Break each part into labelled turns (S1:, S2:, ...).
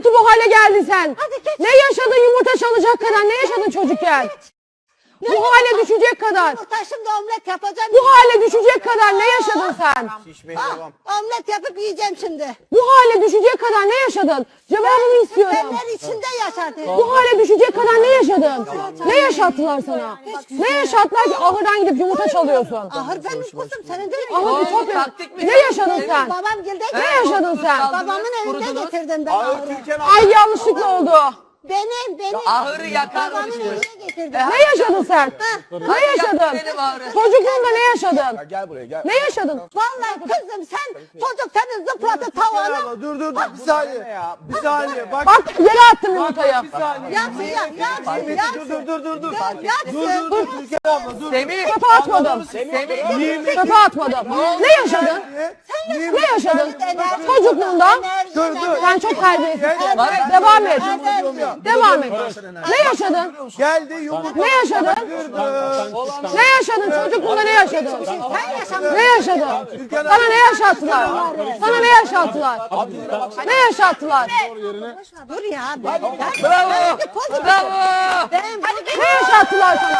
S1: ki bu hale geldin sen? Ne yaşadın yumurta çalacak kadar? Ne yaşadın çocukken? Bu hale düşecek kadar.
S2: Yumurta şimdi omlet yapacağım.
S1: Bu hale düşecek kadar ne yaşadın sen?
S3: Şişmeye devam.
S2: Omlet yapıp yiyeceğim şimdi.
S1: Bu hale düşecek kadar ne yaşadın? Cevabını istiyorum.
S2: Benler içinde yaşadım.
S1: Bu hale düşecek kadar ne yaşadın? Ne yaşattılar sana? Ne yaşattılar ki ahırdan gidip yumurta çalıyorsun?
S2: Ahır benim kızım senin değil mi?
S1: Ahır çok
S4: taktik mi?
S1: Ne yaşadın sen?
S2: Babam geldi.
S1: Ne yaşadın sen?
S2: Babamın evinde getirdim ben
S3: Ağır
S2: ahırı.
S3: Türkan
S1: Ay yanlışlıkla oldu.
S2: Benim.
S4: Ahırı yakar
S2: Babamın
S4: mısın?
S2: evine getirdim.
S1: Ne yaşadın sen? Ne yaşadın?
S4: benim ahırı.
S1: Çocukluğunda ne yaşadın?
S3: Gel buraya gel.
S1: Ne yaşadın?
S2: Vallahi kızım sen çocuk seni zıplattı tavana.
S5: Ama dur bir saniye. Bir saniye bak.
S1: Bak yere attım yumurtayı.
S5: Bir saniye.
S2: Yaksın yaksın.
S5: Dur.
S2: Yaksın.
S5: Dur Türkan abla dur.
S4: Semih.
S1: Çöpe atmadım.
S4: Semih.
S1: Çöpe atmadım. Ne yaşadın? Ne yaşadın? Çocukluğunda sen çok terbiyesiz. Devam et. Devam et. Ne yaşadın?
S5: Geldi yumurta.
S1: Ne yaşadın? Ne yaşadın? Çocukluğunda ne yaşadın? Ne yaşadın? Sana ne yaşattılar? Sana ne yaşattılar? Ne yaşattılar?
S2: Dur ya. Ben
S4: Bravo. Bravo.
S1: Ne yaşattılar sana?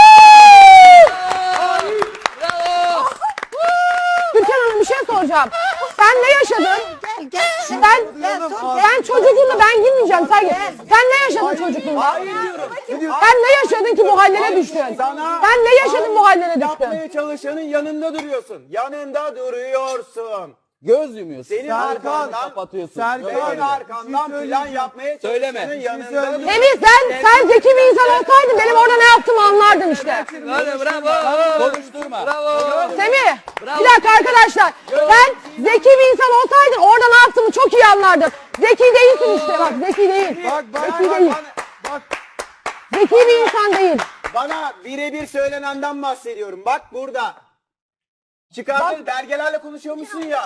S4: Bravo.
S1: Türkan Hanım bir şey soracağım. Sen ne yaşadın?
S2: Gel.
S1: Ben çocukluğunda ben girmeyeceğim Sergi. Sen ne yaşadın çocukluğunda? Sen ne yaşadın ki bu hallere düştün? Sen ne yaşadın bu hallere düştün?
S3: Yapmaya çalışanın yanında duruyorsun. Yanında duruyorsun.
S6: Göz yumuyorsun.
S3: Senin
S5: Serkan,
S3: arkandan
S6: kapatıyorsun.
S5: Serkan.
S3: senin arkandan plan yapmaya
S6: Söyleme.
S3: çalışanın
S6: Bir şey
S3: yanında
S5: söyleyeyim.
S3: duruyorsun.
S1: Semih sen zeki bir insan olsaydın benim orada ne yaptığımı anlardın işte.
S4: Bravo.
S6: Konuşturma.
S4: Bravo.
S1: Semih bir dakika arkadaşlar. Sen zeki bir insan olsaydın orada ne yaptığımı çok iyi anlardın. Zeki değilsin işte bak zeki değil. Zeki değil.
S5: Bak.
S1: Zeki bir insan değil.
S3: Bana birebir söylenenden bahsediyorum. Bak burada. Çıkardın belgelerle konuşuyormuşsun ya.